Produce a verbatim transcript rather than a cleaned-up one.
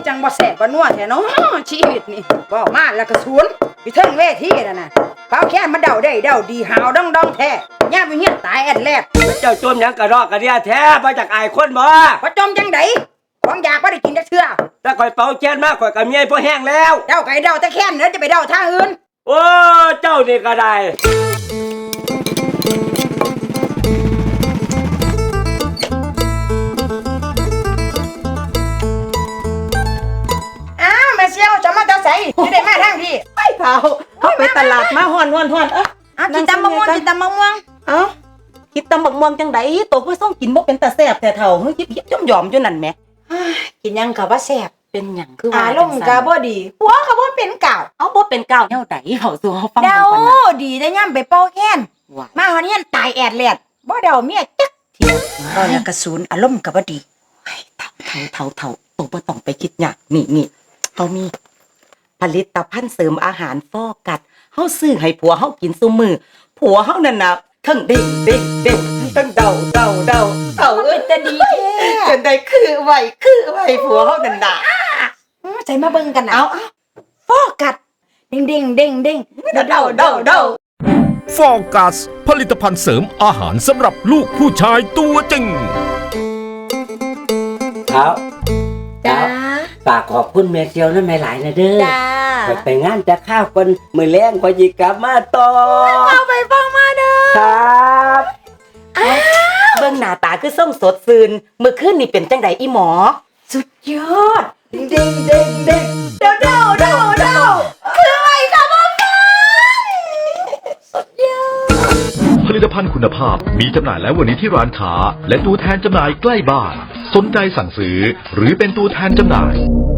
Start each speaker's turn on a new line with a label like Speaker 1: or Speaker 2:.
Speaker 1: จังบ่แสบบ่นัวแท้เนาะชีวิตนี่บ่มาแล้วก็สวนอยู่เทิงเวทีนั่นน่ะเขาแค่มาเดาได้เดาดีหาวดองดองแท้ย่าไปเฮียนตายแอดแลด
Speaker 2: เจ้าจมหยังกระรอกกระเดียแท้มาจากอายคนบ่
Speaker 1: บ่จมจังไดของอยากบ่ได้กินจักเทื่อ
Speaker 2: ถ้าข่อยเป่าแค้นมากข่อยก็เมียพอแห้งแล้ว
Speaker 1: เดาไก่เดาแต่แค้นเด้อจะไปเดาทางอื่น
Speaker 2: โอ้เจ้านี่ก็ได้
Speaker 1: อ้าวแม่เสี่ยวจะมาตาใสสิได้มาทางพี่
Speaker 3: ไปเผาเขาไปตลาดมาฮ้อนๆๆเอ้อ
Speaker 1: อ่ะกินตำมะม่วงกินตำมะม่วง
Speaker 3: เอ้ากินตำบักม่วงจังได๋โตคือส่งกินบ่เป็นตาแซ่บแต่เฒ่าเฮ้ยยิบๆย่อมๆอยู่นั่นแหม
Speaker 1: กินยังก็บ่แซ่บ
Speaker 3: เป็นหยังคือว่า
Speaker 1: อารมณ์ก็บ่ดีหัวก็บ่เป็นเก่า
Speaker 3: เอาบ่เป็นก้าวแนวใดเฮาสู่เฮาฟัง
Speaker 1: เดา
Speaker 3: ก่อนนะ
Speaker 1: ดีแต่ย่ำไปเป่าแค้นมาฮอดเฮียนตายแอดแลดบ่เดาเมียจักเที่ยวก็ยังกระสูนอารมณ์ก็บ่ดี
Speaker 3: เฒ่าเฒ่าเฒ่าโตบ่ต้องไปคิดยากนี่ๆเฮามีผลิตภัณฑ์เสริมอาหารฟอกกัดเฮาซื้อให้ผัวเฮากินซุมื้อผัวเฮานั่นน่ะทั้งเด้งเด้งเด้งทั้งเดาเดาเดาเฒ่าเอ้ยจะดีแท้จังได๋คือไว้คือไว้ผัวเฮานั่นน่ะ
Speaker 1: ใจมาเบิ่งกันนะ
Speaker 3: เอา
Speaker 1: ฟอกัดเด้งเด้งเด้งเด้ง
Speaker 3: เดาเดาเดาเดา
Speaker 4: ฟอกัสผลิตภัณฑ์เสริมอาหารสำหรับลูกผู้ชายตัวจริง
Speaker 2: ครับ
Speaker 1: จ้า
Speaker 2: ฝากขอบคุณแม่เซียวนั่นแม่หลายนะเด้อ
Speaker 1: จ้า
Speaker 2: ไปงานจะข้าวคนมื้อแลงข่อยสิกลับมาต่อ
Speaker 1: เอาไปฟังมาเด้อ
Speaker 2: ครับ
Speaker 3: เบิ่งหน้าตาคือส่งสดซื่นมื้อคืนนี่เป็นจังไดอีหมอ
Speaker 1: สุดยอดเด้งเด้งเด้งเด้งเดาเดาเดาเดาคืออะไรคะพ่อฟังสุดยอด
Speaker 4: ผลิตภัณฑ์คุณภาพมีจำหน่ายแล้ววันนี้ที่ร้านค้าและตัวแทนจำหน่ายใกล้บ้านสนใจสั่งซื้อหรือเป็นตัวแทนจำหน่าย